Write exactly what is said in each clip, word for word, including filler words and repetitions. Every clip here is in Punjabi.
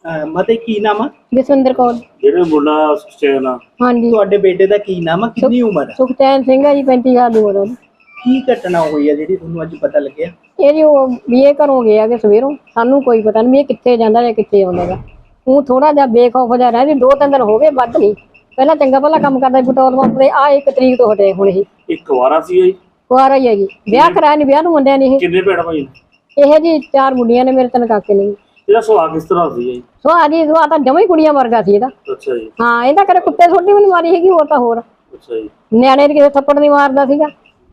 ਮਤੇ ਕੀ ਨਾਮ ਆ? ਜਸਵਿੰਦਰ ਕੌਰ। ਜਿਹੜੇ ਮੁੰਡਾ ਸੁਖਚੈਨ ਆ, ਹਾਂਜੀ। ਤੁਹਾਡੇ ਬੇਟੇ ਦਾ ਕੀ ਨਾਮ ਆ? ਕਿੰਨੀ ਉਮਰ ਆ? ਸੁਖਚੈਨ ਸਿੰਘ ਹੈ ਜੀ, ਪੈਂਤੀ ਸਾਲ ਦੀ ਉਮਰ ਉਹਦੀ। ਕੀ ਘਟਨਾ ਹੋਈ ਆ ਜਿਹੜੀ ਤੁਹਾਨੂੰ ਅੱਜ ਪਤਾ ਲੱਗਿਆ? ਇਹ ਜੀ ਉਹ ਵੀ ਇਹ ਘਰੋਂ ਗਿਆ ਕਿ ਸਵੇਰੋਂ, ਸਾਨੂੰ ਕੋਈ ਪਤਾ ਨਹੀਂ ਵੀ ਇਹ ਕਿੱਥੇ ਜਾਂਦਾ ਜਾਂ ਕਿੱਥੇ ਆਉਂਦਾ ਗਾ। ਉਹ ਥੋੜਾ ਜਿਹਾ ਬੇਖੌਫ ਜਿਹਾ ਰਹਿ, ਦੋ ਤਿੰਨ ਦਿਨ ਹੋ ਗਏ, ਵੱਧ ਨਹੀਂ। ਪਹਿਲਾਂ ਚੰਗਾ ਭਲਾ ਕੰਮ ਕਰਦਾ ਸੀ ਪੈਟਰੋਲ ਪੰਪ ਤੇ, ਆ ਇੱਕ ਤਰੀਕ ਤੋਂ ਹਟੇ ਹੁਣ। ਇਹ ਇੱਕ ਵਾਰਾ ਸੀ ਜੀ? ਕੁਆਰਾ ਹੀ ਹੈ ਜੀ, ਵਿਆਹ ਕਰਾਇਆ ਨਹੀਂ, ਵਿਆਹ ਨੂੰ ਮੁੰਡਿਆਂ ਨੇ। ਇਹ ਕਿੰਨੇ ਭੈਣ ਭਾਈ ਨੇ? ਇਹ ਜੀ ਚਾਰ ਮੁੰਡੀਆਂ ਨੇ, ਮੇਰੇ ਤਿੰਨ ਕਾਕੇ ਨੇ। ਇਹਦਾ ਸੁਭਾਅ ਕਿਸ ਤਰ੍ਹਾਂ ਸੀ ਜੀ? ਸੁਭਾਅ ਜੀ ਸੁਭਾਅ ਤਾਂ ਜਮਾਂ ਹੀ ਕੁੜੀਆਂ ਵਰਗਾ ਸੀ ਇਹਦਾ। ਅੱਛਾ ਜੀ। ਹਾਂ, ਇਹਦਾ ਕਦੇ ਕੁੱਤੇ ਛੋਟੀ ਵੀ ਨਹੀਂ ਮਾਰੀ ਹੈਗੀ, ਹੋਰ ਤਾਂ ਹੋਰ। ਅੱਛਾ ਜੀ। ਨਿਆਣੇ ਦੇ ਕਿਸੇ ਥੱਪੜ ਨਹੀਂ ਮਾਰਦਾ ਸੀਗਾ।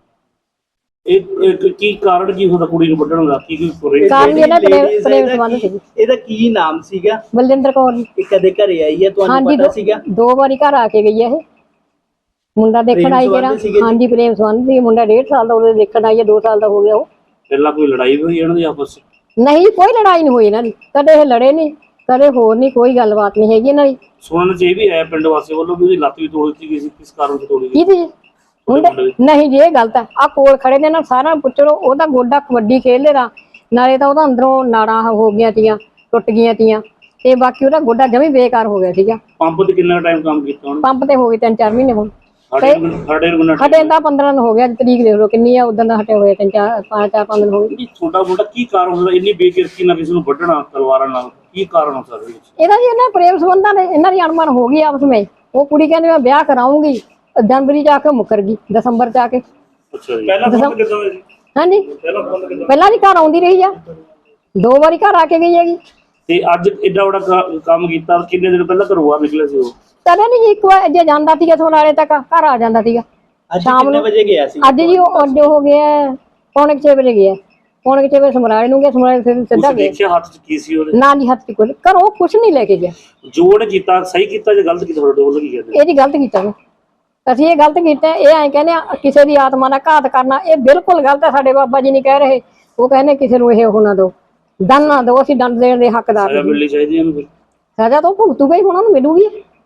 ਇਹ ਕੀ ਕਾਰਨ ਕੀ ਹੁੰਦਾ ਕੁੜੀ ਨੂੰ ਵੱਢਣ ਦਾ? ਕੀ ਕੋਈ ਕਾਰਨ ਇਹਦਾ ਪ੍ਰੇਮ ਸੰਬੰਧ ਸੀ। ਇਹਦਾ ਕੀ ਨਾਮ ਸੀਗਾ? ਬਲਜਿੰਦਰ ਕੌਰ ਜੀ। ਇਹ ਕਦੇ ਘਰੇ ਆਈ ਹੈ, ਤੁਹਾਨੂੰ ਪਤਾ ਸੀਗਾ? ਦੋ ਵਾਰੀ ਘਰ ਆ ਕੇ ਗਈ ਹੈ ਇਹ। ਮੁੰਡਾ ਦੇਖਣ ਆਈ ਜਿਹੜਾ। ਹਾਂਜੀ, ਪ੍ਰੇਮ ਸੰਬੰਧ ਸੀ। ਮੁੰਡਾ ਡੇਢ ਸਾਲ ਦਾ ਉਹਦੇ ਦੇਖਣ ਆਈ ਹੈ, ਦੋ ਸਾਲ ਦਾ ਹੋ ਗਿਆ ਉਹ। ਪਹਿਲਾਂ ਕੋਈ ਲੜਾਈ ਹੋਈ ਇਹਨਾਂ ਦੀ ਆਪਸ ਵਿੱਚ? ਨਹੀਂ, ਕੋਈ ਲੜਾਈ ਨਹੀਂ ਹੋਈ ਇਹਨਾਂ ਦੀ, ਕਦੇ ਇਹ ਲੜੇ ਨਹੀਂ, ਕਦੇ ਹੋਰ ਨਹੀਂ, ਕੋਈ ਗੱਲਬਾਤ ਨਹੀਂ ਹੈਗੀ ਇਹਨਾਂ ਦੀ। ਸੁਣਨ ਚ ਇਹ ਵੀ ਆਇਆ ਪਿੰਡ ਵਾਸੀ ਵੱਲੋਂ ਵੀ ਉਹਦੀ ਲੱਤ ਵੀ ਤੋੜ ਦਿੱਤੀ ਗਈ ਸੀ, ਕਿਸ ਕਾਰਨ ਤੋਂ ਤੋੜੀ ਗਈ? ਕਿਹਦੀ? ਨਹੀਂ ਜੀ, ਇਹ ਗਲਤ ਹੈ। ਆ ਕੋਲ ਖੜੇ ਨੇ ਨਾ, ਸਾਰਾ ਪੁੱਛੋ। ਉਹਦਾ ਗੋਡਾ ਕਬੱਡੀ ਖੇਡਦੇ ਦਾ, ਨਾਲੇ ਤਾਂ ਉਹਦਾ ਅੰਦਰੋਂ ਨਾੜਾਂ ਹੋ ਗਈਆਂ ਤੀਆਂ, ਟੁੱਟ ਗਈਆਂ ਤੀਆਂ, ਤੇ ਬਾਕੀ ਉਹਦਾ ਗੋਡਾ ਜਮੀ ਬੇਕਾਰ ਹੋ ਗਿਆ ਸੀਗਾ। ਪੰਪ ਤੇ ਕਿੰਨਾ ਟਾਈਮ ਕੰਮ ਕੀਤਾ ਉਹਨੇ? ਪੰਪ ਤੇ ਹੋ ਗਏ ਤਿੰਨ ਚਾਰ ਮਹੀਨੇ ਹੁਣ। ਹਟੇ ਤਾਂ ਪੰਦਰਾਂ ਦਿਨ ਹੋ ਗਿਆ, ਤਰੀਕ ਦੇਖ ਲਓ ਕਿੰਨੀ ਆ, ਉਦੋਂ ਦਾ ਹਟੇ ਹੋਏ ਤਿੰਨ ਚਾਰ ਪੰਜ ਚਾਰ ਪੰਜ ਦਿਨ ਹੋ ਗਏ। ਛੋਟਾ ਮੋਟਾ ਕੀ ਕਾਰਨ ਹੁੰਦਾ ਇੰਨੀ ਬੇਕਿਰਕੀ ਨਾਲ ਕਿਸੇ ਨੂੰ ਵੱਢਣਾ ਤਲਵਾਰਾਂ ਨਾਲ? ਕੀ ਕਾਰਨ ਹੋ ਸਕਦਾ ਇਹਦਾ ਜੀ? ਇਹਨਾਂ ਪ੍ਰੇਮ ਸੰਬੰਧਾਂ ਨੇ, ਇਹਨਾਂ ਦੀ ਅਣਮਨ ਹੋ ਗਈ ਆਪਸ ਵਿੱਚ। ਉਹ ਕੁੜੀ ਕਹਿੰਦੀ ਮੈਂ ਵਿਆਹ ਕਰਾਉਂਗੀ, ਜਨਵਰੀ ਚ ਆ ਕੇ ਮੁੱਕਰ ਗਈ, ਦਸੰਬਰ ਚ ਆ ਕੇ। ਅੱਛਾ ਜੀ। ਪਹਿਲਾਂ ਫੋਨ ਕਿੱਦਾਂ ਹੋਇਆ ਜੀ? ਹਾਂਜੀ, ਪਹਿਲਾਂ ਫੋਨ ਕਿੱਦਾਂ? ਪਹਿਲਾਂ ਵੀ ਘਰ ਆਉਂਦੀ ਰਹੀ ਆ, ਦੋ ਵਾਰੀ ਘਰ ਆ ਕੇ ਗਈ ਹੈਗੀ। ਤੇ ਅੱਜ ਏਡਾ ਵੱਡਾ ਕੰਮ ਕੀਤਾ, ਕਿੰਨੇ ਦਿਨ ਪਹਿਲਾਂ ਘਰੋਂ ਬਾਹਰ ਨਿਕਲੇ ਸੀ ਉਹ? ਕਦੇ ਨਹੀਂ ਜੀ, ਇੱਕ ਵਾਰ ਜੇ ਜਾਂਦਾ ਸੀਗਾ ਸੋਨਾਲੇ ਤੱਕ, ਘਰ ਆ ਜਾਂਦਾ ਸੀਗਾ ਸ਼ਾਮ ਨੂੰ ਵਜੇ ਗਿਆ ਸੀ? ਅੱਜ ਜੀ ਉਹ ਅੱਜ ਹੋ ਗਿਆ ਪੌਣੇ ਛੇ ਵਜੇ ਗਿਆ, ਪੌਣੇ ਛੇ ਵਜੇ ਸਮਰਾਲੇ ਨੂੰ ਗਿਆ, ਸਮਰਾਲੇ ਸਿੱਧਾ ਗਿਆ। ਦੇਖਿਆ ਹੱਥ ਚ ਕੀ ਸੀ ਉਹਦੇ? ਨਾ ਜੀ, ਹੱਥ ਚ ਕੋਈ ਘਰੋਂ ਕੁਛ ਨਹੀਂ ਲੈ ਕੇ ਗਿਆ। ਜੋੜ ਕੀਤਾ ਸਹੀ ਕੀਤਾ ਜਾਂ ਗਲਤ ਕੀਤਾ? ਤੁਹਾਡੇ ਵੱਲੋਂ ਕੀ ਕਹਿੰਦੇ? ਇਹ ਜੀ ਗਲਤ ਕੀਤਾ ਵਾ, ਅਸੀਂ ਇਹ ਗਲਤ ਕੀਤਾ। ਇਹ ਐਂ ਕਹਿੰਦੇ ਆ ਕਿਸੇ ਦੀ ਆਤਮਾ ਦਾ ਘਾਤ ਕਰਨਾ, ਇਹ ਬਿਲਕੁਲ ਗਲਤ ਹੈ। ਸਾਡੇ ਬਾਬਾ ਜੀ ਨਹੀਂ ਕਹਿ ਰਹੇ, ਉਹ ਕਹਿੰਦੇ ਕਿਸੇ ਨੂੰ ਇਹ ਉਹ ਨਾ ਦਿਓ, ਦੰਡ ਨਾ ਦਿਓ, ਅਸੀਂ ਦੰਡ ਦੇਣ ਦੇ ਹੱਕਦਾਰ। ਸਜ਼ਾ ਮਿਲਣੀ ਚਾਹੀਦੀ ਇਹਨੂੰ ਫਿਰ? ਸਜ਼ਾ ਤਾਂ ਭੁਗਤੂਗਾ ਹੀ, ਉਹਨਾਂ ਨੂੰ ਮਿਲੂਗੀ।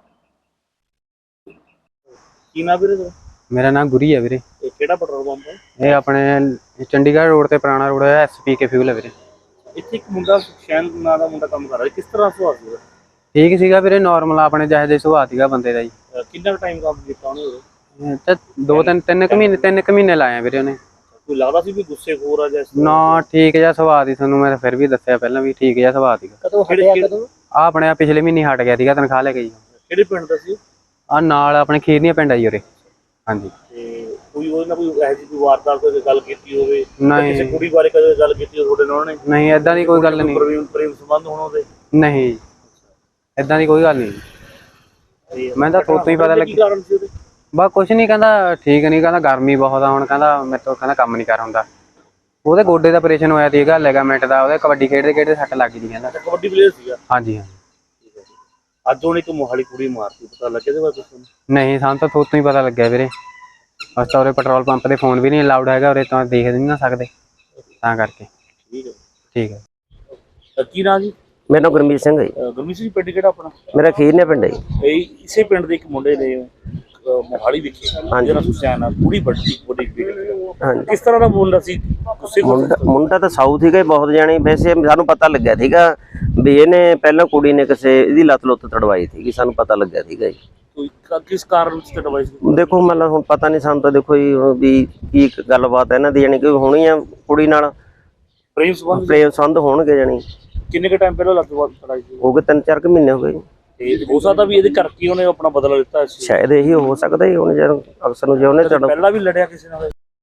ਕੀ ਨਾਮ ਵੀਰੇ ਤੁਹਾਡਾ? ਮੇਰਾ ਨਾਮ ਗੁਰੀ ਹੈ ਵੀਰੇ। ਇਹ ਕਿਹੜਾ ਪੈਟਰੋਲ ਪੰਪ ਹੈ? ਇਹ ਆਪਣੇ ਚੰਡੀਗੜ੍ਹ ਰੋਡ ਤੇ ਪੁਰਾਣਾ ਰੋਡ ਹੈ, ਐਸ ਪੀ ਕੇ ਫਿਊਲ ਹੈ ਵੀਰੇ। ਇੱਥੇ ਇੱਕ ਮੁੰਡਾ ਸੁਖਚੈਨ ਨਾਂ ਦਾ ਮੁੰਡਾ ਕੰਮ ਕਰ ਰਿਹਾ, ਕਿਸ ਤਰ੍ਹਾਂ ਸੁਭਾਅ ਸੀ? ਠੀਕ ਸੀਗਾ ਵੀਰੇ, ਨਾਰਮਲ ਆਪਣੇ ਜਿਹੇ ਜਿਹੇ ਸੁਭਾਅ ਸੀਗਾ ਬੰਦੇ ਦਾ ਜੀ। ਕਿੰਨਾ ਟਾਈਮ ਕੰਮ ਕੀਤਾ ਉਹਨੇ? ਤੇ ਦੋ ਤਿੰਨ ਤਿੰਨ ਕੁ ਮਹੀਨੇ ਤਿੰਨ ਕੁ ਮਹੀਨੇ ਲਾਏ ਵੀਰੇ ਉਹਨੇ। ਕੋਈ ਲੱਗਦਾ ਸੀ ਵੀ ਗੁੱਸੇਖੋਰ ਆ ਜਾਂ? ਨਾ, ਠੀਕ ਜਿਹਾ ਸੁਭਾਅ ਦੀ, ਤੁਹਾਨੂੰ ਮੈਂ ਫਿਰ ਵੀ ਦੱਸਿਆ ਪਹਿਲਾਂ ਵੀ ਠੀਕ ਜਿਹਾ ਸੁਭਾਅ ਸੀਗਾ। ਕਦੋਂ ਹਟਿਆ? ਕਦੋਂ? ਆ ਆਪਣੇ ਆ ਪਿਛਲੇ ਮਹੀਨੇ ਹਟ ਗਿਆ ਸੀਗਾ, ਤਨਖਾਹ ਲੈ ਕੇ ਜੀ। ਕਿਹੜੇ ਪਿੰਡ ਦਾ ਸੀ? ਆ ਨਾਲ ਆਪਣੇ ਖੀਰਨੀਆਂ ਪਿੰਡ ਆ ਜੀ ਉਰੇ। ਹਾਂਜੀ। ਤੇ ਕੋਈ ਉਹਦੇ ਨਾਲ ਕੋਈ ਇਹੋ ਜਿਹੀ ਕੋਈ ਵਾਰਦਾਤ ਕੋਈ ਗੱਲ ਕੀਤੀ ਹੋਵੇ? ਨਹੀਂ। ਕਿਸੇ ਕੁੜੀ ਬਾਰੇ ਕਦੇ ਗੱਲ ਕੀਤੀ ਹੋਵੇ ਤੁਹਾਡੇ ਨਾਲ ਉਹਨੇ? ਨਹੀਂ, ਏਦਾਂ ਦੀ ਕੋਈ ਗੱਲ ਨਹੀਂ। ਪ੍ਰੇਮ ਸੰਬੰਧ ਹੋਣ ਉਹਦੇ? ਨਹੀਂ, ਏਦਾਂ ਦੀ ਕੋਈ ਗੱਲ ਨਹੀਂ। ਮੈਂ ਤਾਂ ਥੋਤੋਂ ਹੀ ਪਤਾ ਲੱਗਿਆ। ਬਸ ਕੁਛ ਨਹੀਂ, ਕਹਿੰਦਾ ਠੀਕ ਨਹੀਂ, ਕਹਿੰਦਾ ਗਰਮੀ ਬਹੁਤ ਆ ਹੁਣ, ਕਹਿੰਦਾ ਮੇਰੇ ਤੋਂ ਕਹਿੰਦਾ ਕੰਮ ਨਹੀਂ ਕਰ ਹੁੰਦਾ। ਉਹਦੇ ਗੋਡੇ ਦਾ ਆਪਰੇਸ਼ਨ ਹੋਇਆ ਸੀਗਾ, ਲਿਗਾਮੈਂਟ ਦਾ, ਉਹਦੇ ਕਬੱਡੀ ਖੇਡਦੇ ਖੇਡਦੇ ਸੱਟ ਲੱਗ ਗਈ ਕਹਿੰਦਾ। ਕਬੱਡੀ ਪਲੇਅਰ ਸੀਗਾ? ਹਾਂਜੀ ਹਾਂਜੀ। ਅੱਜ ਉਹਨੇ ਇੱਕ ਮੋਹਾਲੀ ਕੁੜੀ ਮਾਰਤੀ, ਪਤਾ ਲੱਗਿਆ ਇਹਦੇ ਬਾਰੇ? ਨਹੀਂ, ਸਾਨੂੰ ਤਾਂ ਥੋਤੋਂ ਹੀ ਪਤਾ ਲੱਗਿਆ ਵੀਰੇ। ਬਸ ਤਾਂ ਉਰੇ ਪੈਟਰੋਲ ਪੰਪ ਤੇ ਫੋਨ ਵੀ ਨਹੀਂ ਅਲਾਉਡ ਹੈਗਾ ਉਰੇ, ਤਾਂ ਦੇਖ ਨਹੀਂ ਨਾ ਸਕਦੇ, ਤਾਂ ਕਰਕੇ। ਠੀਕ ਹੈ ਠੀਕ ਹੈ। ਕੀ ਨਾਂ ਜੀ? ਮੇਰਾ ਨਾਮ ਗੁਰਮੀਤ ਸਿੰਘ ਹੈ ਜੀ। ਗੁਰਮੀਤ ਸਿੰਘ, ਪਿੰਡ ਕਿਹੜਾ ਆਪਣਾ? ਮੇਰਾ ਖੀਰਨੇ ਪਿੰਡ ਹੈ ਜੀ। ਇਹ ਇਸੇ ਪਿੰਡ ਦੇ ਇੱਕ ਮੁੰਡੇ ਨੇ ਮੋਹਾਲੀ ਵਿਖੇ ਜਿਹੜਾ ਸੁਖਚੈਨ ਆ ਕੁੜੀ ਵੱਡੀ ਵੱਡੀ ਕਿਸ ਤਰ੍ਹਾਂ ਦਾ ਮੁੰਡਾ ਸੀ? ਮੁੰਡਾ ਮੁੰਡਾ ਤਾਂ ਸਾਊਥ ਸੀਗਾ ਬਹੁਤ ਜਾਣੀ। ਵੈਸੇ ਸਾਨੂੰ ਪਤਾ ਲੱਗਿਆ ਸੀਗਾ ਵੀ ਇਹਨੇ ਪਹਿਲਾਂ ਕੁੜੀ ਨੇ ਕਿਸੇ ਇਹਦੀ ਲੱਤ ਲੁੱਤ ਤੜਵਾਈ ਸੀਗੀ, ਸਾਨੂੰ ਪਤਾ ਲੱਗਿਆ ਸੀਗਾ ਜੀ। ਕੋਈ ਕਿਸ ਕਾਰਨ ਚ ਤੜਵਾਈ ਸੀ? ਦੇਖੋ ਮਤਲਬ ਹੁਣ ਪਤਾ ਨਹੀਂ ਸਾਨੂੰ ਤਾਂ, ਦੇਖੋ ਜੀ ਵੀ ਕੀ ਗੱਲਬਾਤ ਹੈ ਇਹਨਾਂ ਦੀ, ਜਾਣੀ ਕਿ ਹੋਣੀ ਆ ਕੁੜੀ ਨਾਲ ਪ੍ਰੇਮ ਸੰਬੰਧ ਪ੍ਰੇਮ ਸੰਬੰਧ ਹੋਣਗੇ। ਜਾਣੀ ਕਿੰਨੇ ਕੁ ਟਾਈਮ ਪਹਿਲਾਂ ਲੱਤ ਤੜਾਈ ਸੀ? ਹੋ ਗਏ ਤਿੰਨ ਚਾਰ ਕੁ ਮਹੀਨੇ ਹੋ ਗਏ ਜੀ। ਤੇ ਹੋ ਸਕਦਾ ਵੀ ਇਹਦੇ ਕਰਕੇ ਉਹਨੇ ਆਪਣਾ ਬਦਲਾ ਲਿੱਤਾ? ਸ਼ਾਇਦ ਇਹੀ ਹੋ ਸਕਦਾ ਜੀ। ਹੁਣ ਜਦੋਂ ਅਕਸਰ ਨੂੰ ਜੇ ਉਹਨੇ ਪਹਿਲਾਂ ਵੀ ਲੜਿਆ ਕਿਸੇ ਨਾਲ?